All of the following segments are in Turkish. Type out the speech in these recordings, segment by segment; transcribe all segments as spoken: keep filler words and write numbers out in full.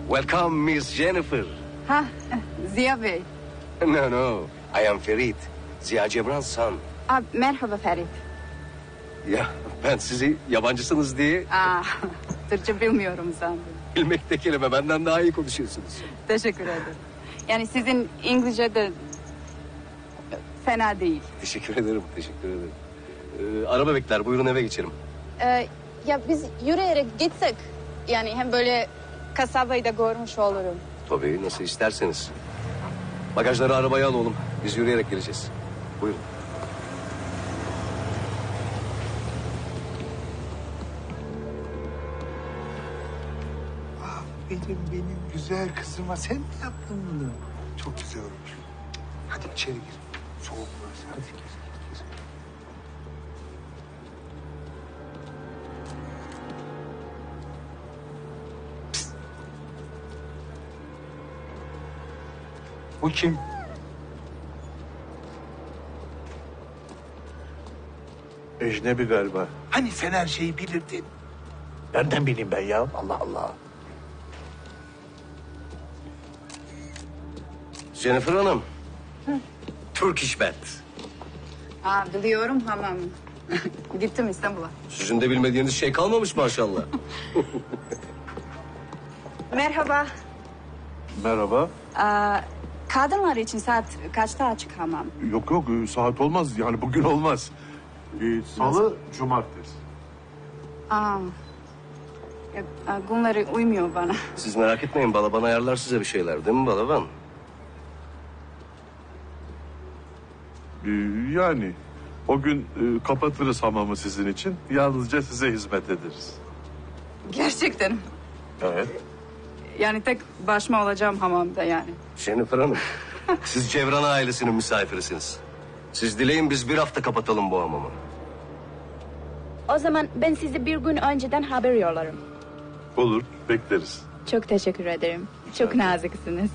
Welcome, Miss Jennifer. Ha, Ziya Bey. No, no. I am Ferit. Ziya Cebran's son. Aa, merhaba Ferit. Ya ben sizi yabancısınız diye Aa, Türkçe bilmiyorum sandım. bilmek de kelime. Benden daha iyi konuşuyorsunuz. Teşekkür ederim. Yani sizin İngilizce de fena değil. Teşekkür ederim, teşekkür ederim. Ee, araba bekler. Buyurun eve geçelim. Ee, ya biz yürüyerek gitsek. Yani hem böyle kasabayı da görmüş olurum. Tabii, nasıl isterseniz. Bagajları arabaya al oğlum. Biz yürüyerek geleceğiz. Buyurun. Benim benim güzel kızıma sen mi yaptın bunu? Çok güzel olmuş. Hadi içeri gir. Soğuk burası. Hadi gir, gir, gir. Psst. Bu kim? Ecnebi galiba. Hani sen her şeyi bilirdin? Nereden bileyim ben ya? Allah Allah. Jennifer Hanım. Turkish Bed. Aa, biliyorum hamam. Gittim İstanbul'a. Sizin de bilmediğiniz şey kalmamış maşallah. Merhaba. Merhaba. Aa, kadınlar için saat kaçta açık hamam? Yok yok saat olmaz yani bugün olmaz. Ee, Salı, cumartesi. Aa, ya, aa, bunları uymuyor bana. Siz merak etmeyin, Balaban ayarlar size bir şeyler değil mi Balaban? Ee, yani o gün e, kapatırız hamamı sizin için. Yalnızca size hizmet ederiz. Gerçekten. Evet. Yani tek başıma olacağım hamamda yani. Jennifer Hanım, siz Cevran ailesinin misafirisiniz. Siz dileyin biz bir hafta kapatalım bu hamamı. O zaman ben size bir gün önceden haber yollarım. Olur, bekleriz. Çok teşekkür ederim. Çok naziksiniz.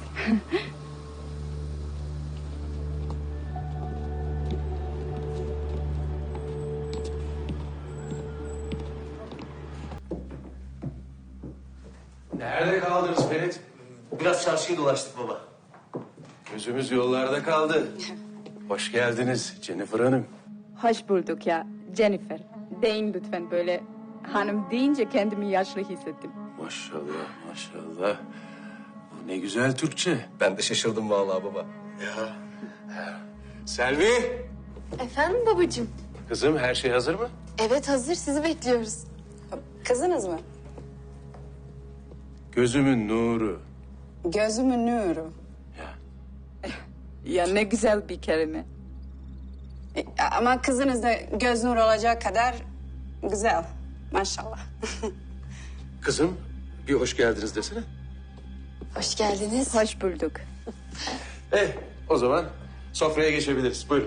Nerede kaldınız Ferit? Biraz çarşıyı dolaştık baba. Gözümüz yollarda kaldı. Hoş geldiniz Jennifer Hanım. Hoş bulduk ya Jennifer. Deyin lütfen böyle hanım deyince kendimi yaşlı hissettim. Maşallah maşallah. Bu ne güzel Türkçe. Ben de şaşırdım vallahi baba. Selvi. Efendim babacığım? Kızım her şey hazır mı? Evet hazır sizi bekliyoruz. Kızınız mı? Gözümün nuru. Gözümün nuru. Ya. Ya ne güzel bir kelime. E, ama kızınız da göz nuru olacak kadar güzel. Maşallah. Kızım bir hoş geldiniz desene. Hoş geldiniz. Hoş bulduk. Eh o zaman sofraya geçebiliriz. Buyurun.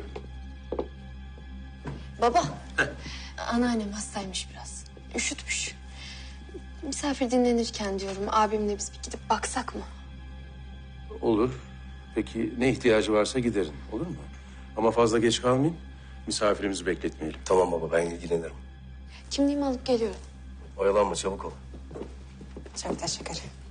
Baba. Anneannem hastaymış biraz. Üşütmüş. Misafir dinlenirken diyorum abimle biz bir gidip baksak mı? Olur. Peki ne ihtiyacı varsa giderin. Olur mu? Ama fazla geç kalmayın. Misafirimizi bekletmeyelim. Tamam baba, ben ilgilenirim. Kimliğimi alıp geliyorum. Oyalanma, çabuk ol. Çok teşekkür ederim.